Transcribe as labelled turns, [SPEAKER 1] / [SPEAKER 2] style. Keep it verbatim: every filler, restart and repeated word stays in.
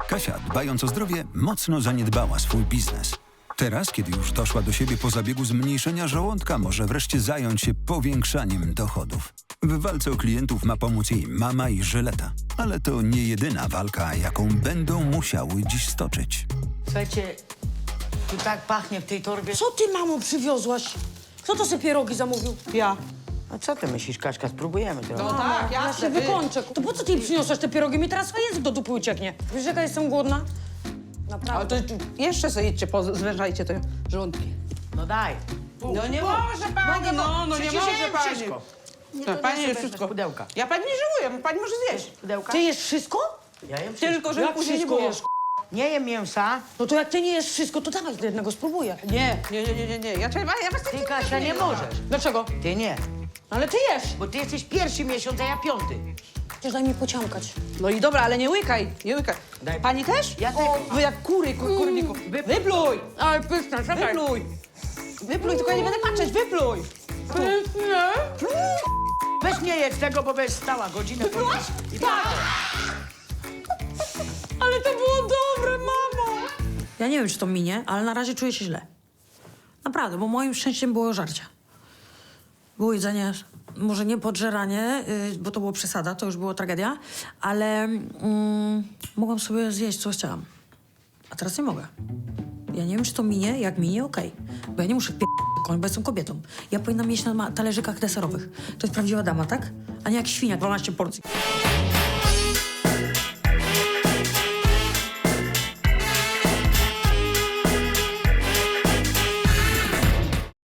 [SPEAKER 1] Kasia, dbając o zdrowie, mocno zaniedbała swój biznes. Teraz, kiedy już doszła do siebie po zabiegu zmniejszenia żołądka, może wreszcie zająć się powiększaniem dochodów. W walce o klientów ma pomóc jej mama i Żyleta. Ale to nie jedyna walka, jaką będą musiały dziś stoczyć.
[SPEAKER 2] Słuchajcie, tu tak pachnie w tej torbie.
[SPEAKER 3] Co ty, mamo, przywiozłaś? Kto to sobie pierogi zamówił?
[SPEAKER 4] Ja.
[SPEAKER 2] A co ty myślisz, Kaśka? Spróbujemy trochę.
[SPEAKER 4] No tak,
[SPEAKER 3] Ja
[SPEAKER 4] jasne.
[SPEAKER 3] się wykończę. To po co ty jej przyniosłaś te pierogi? Mi teraz język do dupy ucieknie. Wiesz, jaka jestem głodna?
[SPEAKER 4] Ale
[SPEAKER 3] Naprawdę.
[SPEAKER 4] to jeszcze sobie idźcie, zwężajcie te żołądki.
[SPEAKER 2] No daj.
[SPEAKER 4] No nie może pani, no, no nie
[SPEAKER 2] Przecież
[SPEAKER 4] może
[SPEAKER 2] jem
[SPEAKER 4] pani.
[SPEAKER 2] wszystko. Nie,
[SPEAKER 4] No,
[SPEAKER 2] to
[SPEAKER 4] pani
[SPEAKER 2] nie
[SPEAKER 4] je
[SPEAKER 2] jest
[SPEAKER 4] wszystko.
[SPEAKER 2] pudełka.
[SPEAKER 4] Ja pani nie żałuję, pani może zjeść.
[SPEAKER 2] Pudełka?
[SPEAKER 3] Ty jesz wszystko?
[SPEAKER 2] Ja jem wszystko.
[SPEAKER 4] Tylko, żeby
[SPEAKER 3] Jak
[SPEAKER 4] później nie
[SPEAKER 3] wszystko
[SPEAKER 4] było.
[SPEAKER 3] jesz?
[SPEAKER 2] Nie jem mięsa.
[SPEAKER 3] No to jak ty nie jesz wszystko, to dawaj do jednego, spróbuję.
[SPEAKER 4] Nie, nie, nie, nie, nie, nie. Ja, ja, ja was
[SPEAKER 2] Ty,
[SPEAKER 4] tak
[SPEAKER 2] Kasia, nie możesz.
[SPEAKER 3] Dlaczego?
[SPEAKER 2] Ty nie.
[SPEAKER 3] Ale ty jesz.
[SPEAKER 2] Bo ty jesteś pierwszy miesiąc, a ja piąty.
[SPEAKER 3] Przecież daj mi pociąkać.
[SPEAKER 4] No i dobra, ale nie łykaj, nie łykaj.
[SPEAKER 2] Daj.
[SPEAKER 4] Pani też?
[SPEAKER 2] Ja
[SPEAKER 4] o,
[SPEAKER 2] tylko.
[SPEAKER 4] wy jak kury, kur, kurniku.
[SPEAKER 2] Wypluj.
[SPEAKER 4] Wypluj,
[SPEAKER 3] Ale pyszne, czekaj.
[SPEAKER 4] wypluj. Wypluj, tylko ja nie będę patrzeć, wypluj.
[SPEAKER 3] Pyszne.
[SPEAKER 2] Weź nie jedz tego, bo będziesz stała godzinę.
[SPEAKER 4] Wyplułaś?
[SPEAKER 2] Tak.
[SPEAKER 3] Ale to było dobre, mamo. Ja nie wiem, czy to minie, ale na razie czuję się źle. Naprawdę, bo moim szczęściem było żarcie. Było jedzenie, może nie podżeranie, yy, bo to było przesada, to już było tragedia, ale mm, mogłam sobie zjeść, co chciałam. A teraz nie mogę. Ja nie wiem, czy to minie, jak minie, okej. Bo ja nie muszę p***koń, bo jestem kobietą. Ja powinnam jeść na ma- talerzykach deserowych. To jest prawdziwa dama, tak? A nie jak świnia, dwanaście porcji.